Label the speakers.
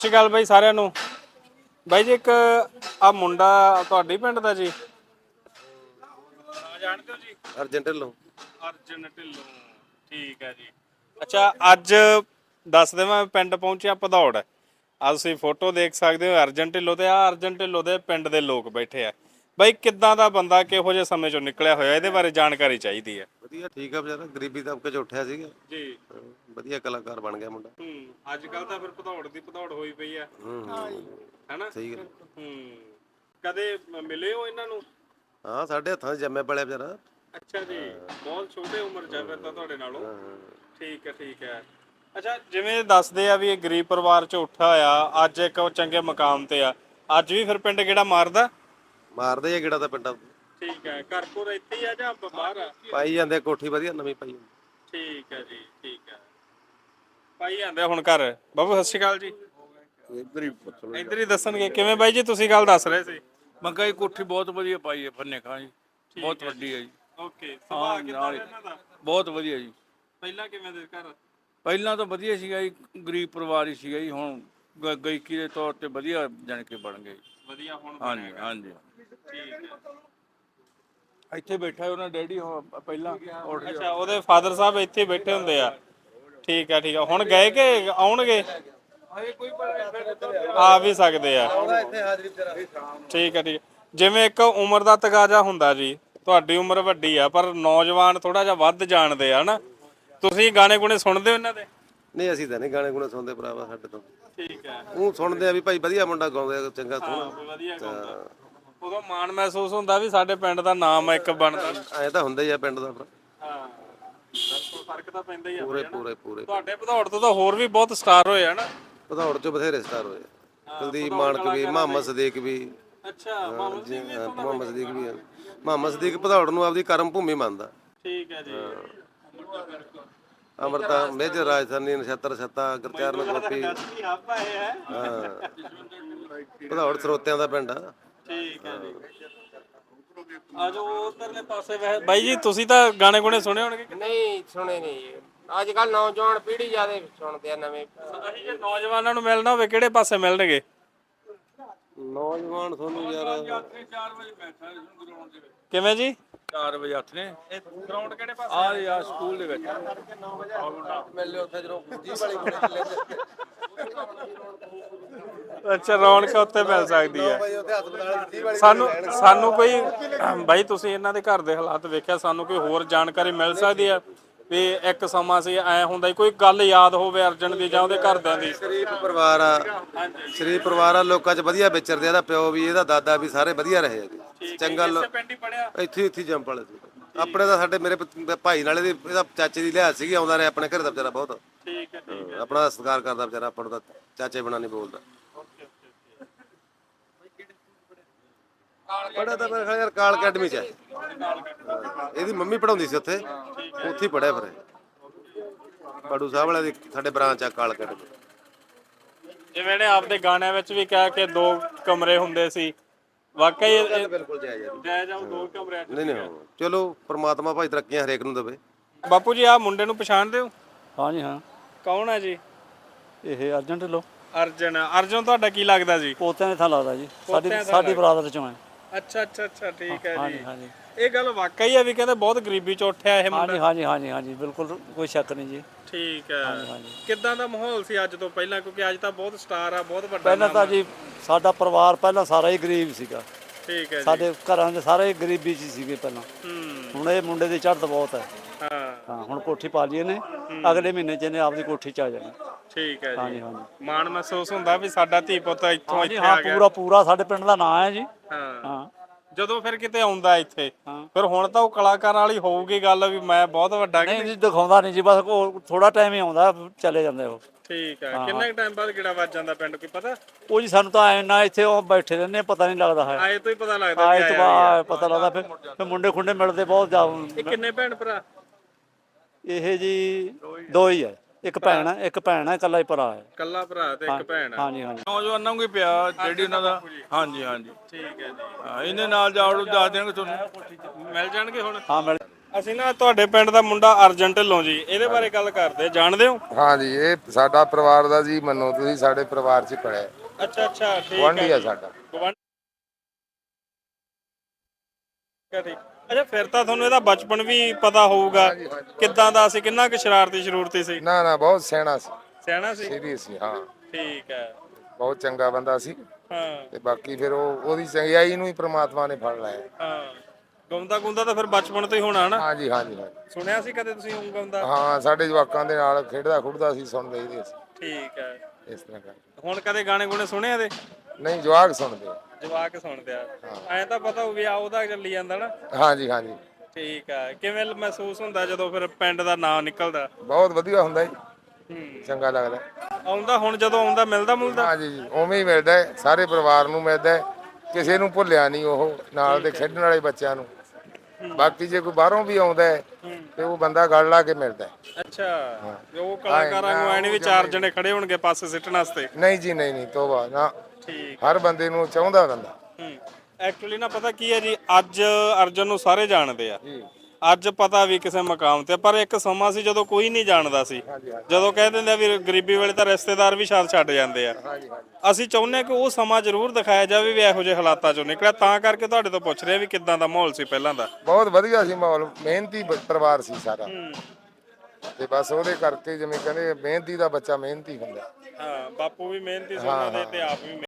Speaker 1: ਸਤਿ ਸ਼੍ਰੀ ਅਕਾਲ ਬਾਈ ਸਾਰਿਆਂ ਨੂੰ। ਬਾਈ ਜੀ ਇੱਕ ਆ ਮੁੰਡਾ ਤੁਹਾਡੇ ਪਿੰਡ ਦਾ ਜੀ, ਜਾਣਦੇ ਹੋ ਜੀ?
Speaker 2: ਅਰਜਨ ਢਿੱਲੋਂ।
Speaker 1: ਅਰਜਨ ਢਿੱਲੋਂ, ਠੀਕ ਹੈ ਜੀ। ਅੱਛਾ, ਅੱਜ ਦੱਸ ਦੇਵਾਂ ਪਿੰਡ ਪਹੁੰਚਿਆ ਭਦੌੜ। ਅੱਜ ਤੁਸੀਂ ਫੋਟੋ ਦੇਖ ਸਕਦੇ ਹੋ ਅਰਜਨ ਢਿੱਲੋਂ ਤੇ ਆ ਅਰਜਨ ਢਿੱਲੋਂ ਦੇ ਪਿੰਡ ਦੇ ਲੋਕ ਬੈਠੇ ਆ। ਬਾਈ ਕਿੱਦਾਂ ਦਾ ਬੰਦਾ, ਕਿਹੋ ਜਿਹੇ ਸਮੇਂ ਚੋਂ ਨਿਕਲਿਆ ਹੋਇਆ, ਇਹਦੇ ਬਾਰੇ ਜਾਣਕਾਰੀ ਚਾਹੀਦੀ ਹੈ।
Speaker 2: ਵਧੀਆ, ਠੀਕ ਆ ਵਿਚਾਰਾ, ਗਰੀਬੀ ਦਬਕੇ ਚ ਉੱਠਿਆ ਸੀਗਾ
Speaker 1: ਜੀ।
Speaker 2: ਵਧੀਆ ਕਲਾਕਾਰ ਬਣ ਗਿਆ ਮੁੰਡਾ।
Speaker 1: ਅੱਜ ਕੱਲ ਤਾਂ ਫਿਰ ਭਦੌੜ ਦੀ ਭਦੌੜ ਹੋਈ ਪਈ ਆ, ਹੈਨਾ?
Speaker 2: ਸਹੀ ਗੱਲ।
Speaker 1: ਕਦੇ ਮਿਲੇ ਹੋ ਇਹਨਾਂ ਨੂੰ?
Speaker 2: ਹਾਂ, ਸਾਡੇ ਹੱਥਾਂ 'ਚ ਜੰਮਿਆ ਪਲਿਆ ਵਿਚਾਰਾ।
Speaker 1: ਅੱਛਾ ਜੀ, ਬਹੁਤ ਛੋਟੇ ਉਮਰ 'ਚ ਫਿਰ ਤਾਂ ਤੁਹਾਡੇ ਨਾਲੋਂ। ਠੀਕ ਹੈ, ਠੀਕ ਹੈ। ਅੱਛਾ, ਜਿਵੇਂ ਦੱਸਦੇ ਆ ਵੀ ਇਹ ਗਰੀਬ ਪਰਿਵਾਰ 'ਚ ਉੱਠਿਆ ਆ, ਅੱਜ ਇੱਕ ਚੰਗੇ ਮਕਾਮ ਤੇ ਆ, ਅੱਜ ਵੀ ਫਿਰ ਪਿੰਡ ਕਿਹੜਾ ਮਾਰਦਾ?
Speaker 2: ਮਾਰਦੇ ਆ ਗੇੜਾ ਤਾਂ ਪਿੰਡਾਂ।
Speaker 1: ਠੀਕ ਹੈ। ਘਰ ਕੋਲ ਇੱਥੇ ਹੀ ਆ ਜਾਂ ਬਾਹਰ ਆ?
Speaker 2: ਪਾਈ ਜਾਂਦੇ ਕੋਠੀ ਵਧੀਆ ਨਵੀਂ ਪਾਈ।
Speaker 1: ਠੀਕ ਹੈ ਜੀ, ਠੀਕ ਹੈ। ਪਾਈ ਜਾਂਦੇ ਹੁਣ ਘਰ। ਬਾਬੂ ਸਤਿ ਸ਼੍ਰੀ ਅਕਾਲ ਜੀ। ਇੱਧਰ ਹੀ ਦੱਸਣਗੇ। ਕਿਵੇਂ ਬਾਈ ਜੀ, ਤੁਸੀਂ ਗੱਲ ਦੱਸ ਰਹੇ ਸੀ?
Speaker 3: ਮੈਂ ਕਿਹਾ ਜੀ ਕੋਠੀ ਬਹੁਤ ਵਧੀਆ ਪਾਈ ਹੈ ਫੰਨੇ ਖਾਂ ਜੀ, ਬਹੁਤ ਵੱਡੀ ਹੈ ਜੀ।
Speaker 1: ਓਕੇ, ਸੁਭਾਅ ਕਿੱਦਾਂ ਦਾ ਇਹਨਾਂ ਦਾ?
Speaker 3: ਬਹੁਤ ਵਧੀਆ ਜੀ।
Speaker 1: ਪਹਿਲਾਂ ਕਿਵੇਂ ਦੇ ਘਰ?
Speaker 3: ਪਹਿਲਾਂ ਤਾਂ ਵਧੀਆ ਸੀਗਾ ਜੀ, ਗਰੀਬ ਪਰਿਵਾਰ ਹੀ ਸੀਗਾ ਜੀ। ਹੁਣ ਗਾਇਕੀ ਦੇ ਤੌਰ ਤੇ ਵਧੀਆ ਜਾਣ ਕੇ ਬਣ ਗਏ।
Speaker 1: ਵਧੀਆ ਹੁਣ
Speaker 3: ਹਾਂਜੀ ਹਾਂਜੀ।
Speaker 1: ਠੀਕ ਹੈ।
Speaker 3: ਇੱਥੇ ਬੈਠਾ ਉਹਨਾਂ ਡੈਡੀ ਪਹਿਲਾਂ।
Speaker 1: ਅੱਛਾ, ਉਹਦੇ ਫਾਦਰ ਸਾਹਿਬ ਇੱਥੇ ਬੈਠੇ ਹੁੰਦੇ ਆ। ਠੀਕ ਹੈ, ਠੀਕ ਹੈ। ਹੁਣ ਗਏ ਕਿ ਆਉਣਗੇ? ਆ ਵੀ ਸਕਦੇ ਆ। ਠੀਕ ਹੈ, ਠੀਕ ਹੈ। ਜਿਵੇਂ ਇੱਕ ਉਮਰ ਦਾ ਤਕਾਜ਼ਾ ਹੁੰਦਾ ਜੀ, ਤੁਹਾਡੀ ਉਮਰ ਵੱਡੀ ਆ ਪਰ ਨੌਜਵਾਨ ਥੋੜਾ ਜਿਹਾ ਵੱਧ ਜਾਣਦੇ ਆ ਨਾ। ਤੁਸੀਂ ਗਾਣੇ ਗੁਣੇ ਸੁਣਦੇ ਹੋ ਇਹਨਾਂ ਦੇ?
Speaker 2: ਨਹੀਂ, ਅਸੀਂ ਤਾਂ ਨਹੀਂ ਗਾਣੇ ਗੁਣੇ ਸੁਣਦੇ ਭਰਾਵਾ ਸਾਡੇ ਤੋਂ।
Speaker 1: ਠੀਕ ਹੈ।
Speaker 2: ਉਹ ਸੁਣਦੇ ਆ ਵੀ ਭਾਈ ਵਧੀਆ ਮੁੰਡਾ ਗਾਉਂਦਾ, ਚੰਗਾ ਸੋਹਣਾ।
Speaker 1: ਵਧੀਆ ਗਾਉਂਦਾ, ਉਦੋਂ ਮਾਣ ਮਹਿਸੂਸ ਹੁੰਦਾ ਵੀ ਸਾਡੇ ਪਿੰਡ ਦਾ ਨਾਮ ਇੱਕ ਬਣਦਾ।
Speaker 2: ਐ ਤਾਂ ਹੁੰਦਾ ਹੀ ਆ ਪਿੰਡ ਦਾ।
Speaker 1: ਹਾਂ, ਫਰਕ ਤਾਂ ਪੈਂਦਾ ਹੀ ਆ।
Speaker 2: ਪੂਰੇ ਪੂਰੇ ਪੂਰੇ।
Speaker 1: ਤੁਹਾਡੇ ਭਦੌੜ ਤੋਂ ਤਾਂ ਹੋਰ ਵੀ ਬਹੁਤ ਸਟਾਰ ਹੋਏ ਆ ਨਾ?
Speaker 2: ਭਦੌੜ 'ਚ ਬਥੇਰੇ ਸਟਾਰ ਹੋਏ। ਕੁਲਦੀਪ ਮਾਨਕ ਵੀ, ਮੁਹੰਮਦ ਸਦੀਕ ਵੀ।
Speaker 1: ਅੱਛਾ, ਮੁਹੰਮਦ ਸਦੀਕ ਵੀ?
Speaker 2: ਮੁਹੰਮਦ ਸਦੀਕ ਵੀ ਆ। ਮੁਹੰਮਦ ਸਦੀਕ ਭਦੌੜ ਨੂੰ ਆਪਦੀ ਕਰਮ ਭੂਮੀ ਮੰਨਦਾ।
Speaker 1: ਠੀਕ ਹੈ ਜੀ।
Speaker 2: ਅਮਰਤਾ ਮੇਜਰ, ਰਾਜਧਾਨੀ, ਨਛੱਤਰ ਛੱਤਾ, ਗੁਰਚਰਨ ਗੋਪੀ।
Speaker 1: ਹਾਂ,
Speaker 2: ਭਦੌੜ ਸਰੋਤਿਆਂ ਦਾ ਪਿੰਡ ਆ।
Speaker 1: ਠੀਕ ਹੈ ਜੀ। ਆਜੋ ਉਧਰਲੇ ਪਾਸੇ। ਬਾਈ ਜੀ ਤੁਸੀਂ ਤਾਂ ਗਾਣੇ ਗੁਣੇ ਸੁਣੇ ਹੋਣਗੇ?
Speaker 4: ਨਹੀਂ ਸੁਣੇ ਨਹੀਂ। ਅੱਜ ਕੱਲ ਨੌਜਵਾਨ ਪੀੜ੍ਹੀ ਜ਼ਿਆਦਾ ਸੁਣਦੇ ਆ ਨਵੇਂ।
Speaker 1: ਅਸੀਂ ਜੇ ਨੌਜਵਾਨਾਂ ਨੂੰ ਮਿਲਣਾ ਹੋਵੇ ਕਿਹੜੇ ਪਾਸੇ ਮਿਲਣਗੇ?
Speaker 2: ਨੌਜਵਾਨ ਤੁਹਾਨੂੰ ਯਾਰ
Speaker 3: 4 ਵਜੇ ਬੈਠਾ ਗਰਾਊਂਡ ਦੇ ਵਿੱਚ।
Speaker 1: ਕਿਵੇਂ ਜੀ?
Speaker 3: 4 ਵਜੇ ਹੱਥ ਨੇ।
Speaker 1: ਗਰਾਊਂਡ ਕਿਹੜੇ ਪਾਸੇ?
Speaker 3: ਆ ਯਾਰ ਸਕੂਲ ਦੇ ਵਿੱਚ।
Speaker 2: ਮਿਲ ਲਿਓ ਉੱਥੇ ਜਦੋਂ ਜੀ ਵਾਲੀ ਕੋਲੇ
Speaker 1: ਅੱਛਾ, ਰੌਣਕ ਉੱਥੇ ਮਿਲ ਸਕਦੀ ਹੈ।
Speaker 2: ਉੱਥੇ ਹੱਥ ਬਣਾ ਜੀ ਵਾਲੀ।
Speaker 1: ਸਾਨੂੰ ਕੋਈ ਬਾਈ, ਤੁਸੀਂ ਇਹਨਾਂ ਦੇ ਘਰ ਦੇ ਹਾਲਾਤ ਵੇਖਿਆ, ਸਾਨੂੰ ਕੋਈ ਹੋਰ ਜਾਣਕਾਰੀ ਮਿਲ ਸਕਦੀ ਹੈ ਵੀ ਇੱਕ ਸਮਾਂ ਸੀ ਐ ਹੁੰਦਾ ਸੀ, ਕੋਈ ਗੱਲ ਯਾਦ ਹੋਵੇ ਅਰਜਨ ਦੀ ਜਾਂ ਉਹਦੇ ਘਰਦਿਆਂ ਦੀ?
Speaker 2: ਸ਼ਰੀਫ ਪਰਿਵਾਰ ਆ, ਸ਼ਰੀਫ ਪਰਿਵਾਰ ਆ, ਲੋਕਾਂ 'ਚ ਵਧੀਆ ਵਿਚਰਦੇ ਆ। ਇਹਦਾ ਪਿਓ ਵੀ, ਇਹਦਾ ਦਾਦਾ ਵੀ, ਸਾਰੇ ਵਧੀਆ ਰਹੇ ਆ। ਚੰਗਾ
Speaker 1: ਪਿੰਡ ਹੀ ਪੜਿਆ
Speaker 2: ਇੱਥੇ ਜੰਮ ਵਾਲੇ ਸੀ ਆਪਣੇ ਦਾ। ਸਾਡੇ ਮੇਰੇ ਭਾਈ ਨਾਲੇ ਦੀ, ਇਹਦਾ ਚਾਚੇ ਦੀ ਲਿਹਾਜ਼ ਸੀਗੀ, ਆਉਂਦਾ ਰਿਹਾ ਆਪਣੇ ਘਰੇ ਦਾ ਵਿਚਾਰਾ ਬਹੁਤ।
Speaker 1: ਠੀਕ ਹੈ, ਠੀਕ ਹੈ।
Speaker 2: ਆਪਣਾ ਸਤਿਕਾਰ ਕਰਦਾ ਵਿਚਾਰਾ, ਆਪਾਂ ਨੂੰ ਤਾਂ ਚਾਚੇ ਬਣਾ ਨਹੀਂ ਬੋਲਦਾ। ਪੜਿਆ ਤਾਂ ਮੇਰੇ ਖਿਆਲ ਯਾਰ ਕਾਲ ਅਕੈਡਮੀ 'ਚ ਹੈ। ਇਹਦੀ ਮੰਮੀ ਪੜਾਉਂਦੀ ਸੀ ਉੱਥੇ ਹੀ ਪੜਿਆ ਫਿਰ। ਬੜੂ ਸਾਹਿਬ ਵਾਲੇ ਦੀ ਸਾਡੇ ਬ੍ਰਾਂਚ ਆ ਕਾਲ ਅਕੈਡਮੀ।
Speaker 1: ਜਿਵੇਂ ਨੇ ਆਪਦੇ ਗਾਣਿਆਂ ਵਿੱਚ ਵੀ ਕਿਹਾ ਕਿ 2 ਕਮਰੇ ਹੁੰਦੇ ਸੀ, ਵਾਕਈ ਇਹ
Speaker 2: ਬਿਲਕੁਲ ਜਾਇਜ਼
Speaker 1: ਜਾਇਜ਼ ਆ। 2 ਕਮਰਿਆਂ 'ਚ?
Speaker 2: ਨਹੀਂ, ਚਲੋ ਪ੍ਰਮਾਤਮਾ ਭਾਈ ਤਰੱਕੀਆਂ ਹਰੇਕ ਨੂੰ ਦੇਵੇ।
Speaker 1: ਬਾਪੂ ਜੀ, ਆਹ ਮੁੰਡੇ ਨੂੰ ਪਛਾਣਦੇ ਹੋ?
Speaker 3: ਹਾਂਜੀ ਹਾਂ।
Speaker 1: ਕੌਣ ਹੈ ਜੀ?
Speaker 3: ਇਹ ਅਰਜਨ ਢਿੱਲੋਂ।
Speaker 1: ਅਰਜਨ ਤੁਹਾਡਾ ਕੀ ਲੱਗਦਾ ਜੀ?
Speaker 3: ਪੋਤਿਆਂ ਦੇ ਥਾਂ ਲੱਗਦਾ ਜੀ। ਸਾਡੀ ਬਰਾਦਰ ਚੋਂ ਹੈ।
Speaker 1: ਅੱਛਾ ਅੱਛਾ ਅੱਛਾ, ਠੀਕ ਹੈ ਜੀ।
Speaker 3: ਹਾਂਜੀ ਹਾਂਜੀ।
Speaker 1: ਇਹ ਗੱਲ ਵਾਕਈ ਹੈ ਵੀ ਕਹਿੰਦੇ ਬਹੁਤ ਗਰੀਬੀ ਚ ਉੱਠਿਆ ਇਹ ਮੁੰਡਾ?
Speaker 3: ਹਾਂਜੀ ਹਾਂਜੀ ਹਾਂਜੀ, ਬਿਲਕੁਲ ਕੋਈ ਸ਼ੱਕ ਨਹੀਂ ਜੀ।
Speaker 1: ਠੀਕ ਹੈ। ਕਿੱਦਾਂ ਦਾ ਮਾਹੌਲ ਸੀ ਅੱਜ ਤੋਂ ਪਹਿਲਾਂ? ਕਿਉਂਕਿ ਅੱਜ ਤਾਂ ਬਹੁਤ ਸਟਾਰ ਆ, ਬਹੁਤ ਵੱਡਾ
Speaker 3: ਪਹਿਲਾਂ ਤਾਂ ਜੀ ਸਾਡਾ ਪਰਿਵਾਰ ਪਹਿਲਾਂ ਸਾਰਾ ਹੀ ਗਰੀਬ ਸੀਗਾ।
Speaker 1: ਠੀਕ ਹੈ ਜੀ।
Speaker 3: ਸਾਡੇ ਘਰਾਂ ਦੇ ਸਾਰੇ ਗਰੀਬੀ 'ਚ ਸੀਗੇ ਪਹਿਲਾਂ। ਹੁਣ ਇਹ ਮੁੰਡੇ ਦੀ ਚੜ੍ਹਤ ਬਹੁਤ ਹੈ। ਹਾਂ, ਹੁਣ ਕੋਠੀ ਪਾ ਲਈ ਇਹਨੇ, ਅਗਲੇ ਮਹੀਨੇ 'ਚ ਇਹਨੇ ਆਪਦੀ ਕੋਠੀ 'ਚ ਆ ਜਾਣਾ।
Speaker 1: ਠੀਕ ਹੈ ਜੀ।
Speaker 3: ਹਾਂਜੀ ਹਾਂਜੀ।
Speaker 1: ਮਾਣ ਮਹਿਸੂਸ ਹੁੰਦਾ ਵੀ ਸਾਡਾ ਧੀ ਪੁੱਤ ਇੱਥੋਂ ਇੱਥੇ ਆ ਗਿਆ।
Speaker 3: ਪੂਰਾ ਸਾਡੇ ਪਿੰਡ ਦਾ ਨਾਂ ਹੈ ਜੀ।
Speaker 1: ਹਾਂ। ਜਦੋਂ ਫਿਰ ਕਿਤੇ ਆਉਂਦਾ ਇੱਥੇ, ਫਿਰ ਹੁਣ ਤਾਂ ਉਹ ਕਲਾਕਾਰ ਵਾਲੀ ਹੋਊਗੀ ਗੱਲ ਵੀ ਮੈਂ ਬਹੁਤ ਵੱਡਾ।
Speaker 3: ਨਹੀਂ ਜੀ, ਦਿਖਾਉਂਦਾ ਨਹੀਂ ਜੀ, ਬਸ ਥੋੜਾ ਟਾਈਮ ਹੀ ਆਉਂਦਾ, ਚਲੇ ਜਾਂਦੇ ਉਹ।
Speaker 1: ਠੀਕ ਹੈ। ਕਿੰਨੇ ਟਾਈਮ ਬਾਅਦ ਕਿਹੜਾ ਵੱਜ ਜਾਂਦਾ ਪਿੰਡ, ਕੋਈ ਪਤਾ?
Speaker 3: ਉਹ ਜੀ ਸਾਨੂੰ ਤਾਂ ਇੰਨਾ ਇੱਥੇ ਉਹ ਬੈਠੇ ਰਹਿੰਦੇ, ਪਤਾ ਨਹੀਂ ਲੱਗਦਾ ਹੈ।
Speaker 1: ਆਏ ਤੋਂ ਹੀ ਪਤਾ ਲੱਗਦਾ।
Speaker 3: ਆਏ ਤੋਂ ਪਤਾ ਲੱਗਦਾ। ਫਿਰ ਮੁੰਡੇ ਖੁੰਡੇ ਮਿਲਦੇ ਬਹੁਤ ਜ਼ਿਆਦਾ।
Speaker 1: ਇਹ ਕਿੰਨੇ ਭੈਣ ਭਰਾ?
Speaker 3: ਇਹ ਜੀ 2 ਹੀ ਹੈ। ਇੱਕ ਭੈਣ ਹੈ, ਇਕੱਲਾ ਹੀ ਭਰਾ ਹੈ।
Speaker 1: ਇਕੱਲਾ ਭਰਾ ਤੇ ਇੱਕ ਭੈਣ?
Speaker 3: ਹਾਂਜੀ ਹਾਂਜੀ।
Speaker 5: ਨੌਜਵਾਨਾਂ ਨੂੰ ਹੀ ਪਿਆ ਜਿਹੜੀ ਉਹਨਾਂ ਦਾ। ਹਾਂਜੀ ਹਾਂਜੀ,
Speaker 1: ਠੀਕ ਹੈ ਜੀ।
Speaker 5: ਹਾਂ, ਇਹਦੇ ਨਾਲ ਜਾੜੂ ਦੱਸ ਦੇਣਗੇ ਤੁਹਾਨੂੰ।
Speaker 1: ਮਿਲ ਜਾਣਗੇ ਹੁਣ?
Speaker 3: ਹਾਂ ਮਿਲ।
Speaker 1: ਅਸੀਂ ਨਾ ਤੁਹਾਡੇ ਪਿੰਡ ਦਾ ਮੁੰਡਾ ਅਰਜਨ ਢਿੱਲੋਂ ਜੀ, ਇਹਦੇ ਬਾਰੇ ਗੱਲ ਕਰਦੇ, ਜਾਣਦੇ ਹੋ?
Speaker 6: ਹਾਂ ਜੀ, ਇਹ ਸਾਡਾ ਪਰਿਵਾਰ ਦਾ ਜੀ, ਮੰਨੋ ਤੁਸੀਂ ਸਾਡੇ ਪਰਿਵਾਰ 'ਚ ਪੜਿਆ,
Speaker 1: ਅੱਛਾ ਅੱਛਾ, ਠੀਕ
Speaker 6: ਗੁਆਂਢੀ
Speaker 1: ਹੈ
Speaker 6: ਆ
Speaker 1: ਜੀ।
Speaker 6: ਸਾਡਾ।
Speaker 1: ਗੁਆਂਢੀ ਹੈ, ਠੀਕ। ਅੱਛਾ, ਫਿਰ ਤਾਂ ਤੁਹਾਨੂੰ ਇਹਦਾ ਬਚਪਨ ਵੀ ਪਤਾ ਹੋਊਗਾ, ਕਿੱਦਾਂ ਦਾ ਸੀ, ਕਿੰਨਾ ਕੁ ਸ਼ਰਾਰਤੀ ਸੀ?
Speaker 6: ਨਾ ਨਾ, ਬਹੁਤ ਸਿਆਣਾ ਸੀ,
Speaker 1: ਸਿਆਣਾ ਸੀ?
Speaker 6: ਸੀਰੀਅਸ ਸੀ, ਹਾਂ,
Speaker 1: ਠੀਕ ਹੈ।
Speaker 6: ਬਹੁਤ ਚੰਗਾ ਬੰਦਾ ਸੀ।
Speaker 1: ਹਾਂ
Speaker 6: ਤੇ ਬਾਕੀ ਫਿਰ ਉਹਦੀ ਚੰਗਿਆਈ ਨੂੰ ਹੀ ਪ੍ਰਮਾਤਮਾ ਨੇ ਫੜ ਲਿਆ।
Speaker 1: ਹਾਂ, ਗਾਉਂਦਾ ਗੁੰਦਾ ਤਾਂ ਫਿਰ ਬਚਪਨ ਤੋਂ ਹੀ ਹੋਣਾ ਨਾ?
Speaker 6: ਹਾਂ ਜੀ, ਹਾਂ ਜੀ, ਹਾਂ ਜੀ।
Speaker 1: ਸੁਣਿਆ ਸੀ ਕਦੇ ਤੁਸੀਂ ਗਾਉਂਦਾ?
Speaker 6: ਹਾਂ, ਸਾਡੇ ਜਵਾਕਾਂ ਦੇ ਨਾਲ ਖੇਡਦਾ ਖੁੱਡਦਾ ਸੀ, ਸੁਣਦੇ ਹੀ ਸੀ
Speaker 1: ਠੀਕ ਹੈ।
Speaker 6: ਇਸ ਤਰ੍ਹਾਂ ਕਰ।
Speaker 1: ਹੁਣ ਕਦੇ ਗਾਣੇ ਗੁਣੇ ਸੁਣੇ ਇਹਦੇ?
Speaker 6: ਨਹੀਂ, ਜਵਾਕ ਸੁਣਦੇ ਆ।
Speaker 1: ਜਵਾਕ ਸੁਣਦੇ ਆ, ਐਂ ਤਾਂ ਪਤਾ ਹੋਊ ਵੀ ਆ ਉਹਦਾ ਚੱਲੀ ਜਾਂਦਾ ਨਾ।
Speaker 6: ਹਾਂ ਜੀ, ਹਾਂ ਜੀ,
Speaker 1: ਠੀਕ ਆ। ਕਿਵੇਂ ਮਹਿਸੂਸ ਹੁੰਦਾ ਜਦੋਂ ਫਿਰ ਪਿੰਡ ਦਾ ਨਾਂ ਨਿਕਲਦਾ?
Speaker 6: ਬਹੁਤ ਵਧੀਆ ਹੁੰਦਾ ਜੀ, ਚੰਗਾ ਲੱਗਦਾ।
Speaker 1: ਆਉਂਦਾ ਹੁਣ ਜਦੋਂ ਆਉਂਦਾ ਮਿਲਦਾ ਮੁਲਦਾ?
Speaker 6: ਹਾਂ ਜੀ, ਉਵੇਂ ਹੀ ਮਿਲਦਾ ਹੈ, ਸਾਰੇ ਪਰਿਵਾਰ ਨੂੰ ਮਿਲਦਾ ਹੈ, ਕਿਸੇ ਨੂੰ ਭੁੱਲਿਆ ਨਹੀਂ ਉਹ, ਨਾਲ ਦੇ ਖੇਡਣ ਵਾਲੇ ਬੱਚਿਆਂ ਨੂੰ। ਬਾਕੀ ਜੇ ਕੋਈ ਬਾਹਰੋਂ ਵੀ ਆਉਂਦਾ ਹੈ ਤੇ ਉਹ ਬੰਦਾ ਗਲ ਲਾ ਕੇ ਮਿਲਦਾ ਹੈ।
Speaker 1: ਅੱਛਾ, ਉਹ ਕਲਾਕਾਰਾਂ ਨੂੰ ਐ ਨੀ ਵੀ ਚਾਰ ਜਣੇ ਖੜੇ ਹੋਣਗੇ ਪਾਸੇ ਸਿੱਟਣ ਵਾਸਤੇ?
Speaker 6: ਨਹੀਂ ਜੀ, ਨਹੀਂ ਨਹੀਂ, ਤੋਬਾ ਨਾ,
Speaker 1: ਠੀਕ।
Speaker 6: ਹਰ ਬੰਦੇ ਨੂੰ ਚਾਹੁੰਦਾ ਬੰਦਾ।
Speaker 1: ਐਕਚੁਅਲੀ ਨਾ ਪਤਾ ਕੀ ਹੈ ਜੀ, ਅੱਜ ਅਰਜਨ ਨੂੰ ਸਾਰੇ ਜਾਣਦੇ ਆ, ਅੱਜ ਪਤਾ ਵੀ ਕਿਸੇ ਮਕਾਮ ਤੇ, ਪਰ ਇੱਕ ਸਮਾਂ ਸੀ ਜਦੋਂ ਕੋਈ ਨਹੀਂ ਜਾਣਦਾ ਸੀ, ਜਦੋਂ ਕਹਿ ਦਿੰਦੇ ਆ ਵੀ ਗਰੀਬੀ ਵੇਲੇ ਤਾਂ ਰਿਸ਼ਤੇਦਾਰ ਵੀ ਛੱਡ ਜਾਂਦੇ ਆ। ਅਸੀਂ ਚਾਹੁੰਦੇ ਆ ਕਿ ਉਹ ਸਮਾਂ ਜ਼ਰੂਰ ਦਿਖਾਇਆ ਜਾਵੇ ਵੀ ਇਹੋ ਜਿਹੇ ਹਾਲਾਤਾਂ ਚੋਂ ਨਿਕਲਿਆ, ਤਾਂ ਕਰਕੇ ਤੁਹਾਡੇ ਤੋਂ ਪੁੱਛ ਰਹੇ ਵੀ ਕਿੱਦਾਂ ਦਾ ਮਾਹੌਲ ਸੀ ਪਹਿਲਾਂ ਦਾ?
Speaker 6: ਬਹੁਤ ਵਧੀਆ ਸੀ ਮਾਹੌਲ, ਮਿਹਨਤੀ ਪਰਿਵਾਰ ਸੀ ਸਾਰਾ, ਤੇ ਬਸ ਉਹਦੇ ਕਰਕੇ ਜਿਵੇਂ ਕਹਿੰਦੇ ਮਿਹਨਤੀ ਦਾ ਬੱਚਾ ਮਿਹਨਤੀ ਹੁੰਦਾ।
Speaker 1: ਹਾਂ, ਬਾਪੂ ਵੀ ਮਿਹਨਤੀ ਸੀ ਉਹਨਾਂ ਦੇ ਤੇ ਆਪ ਵੀ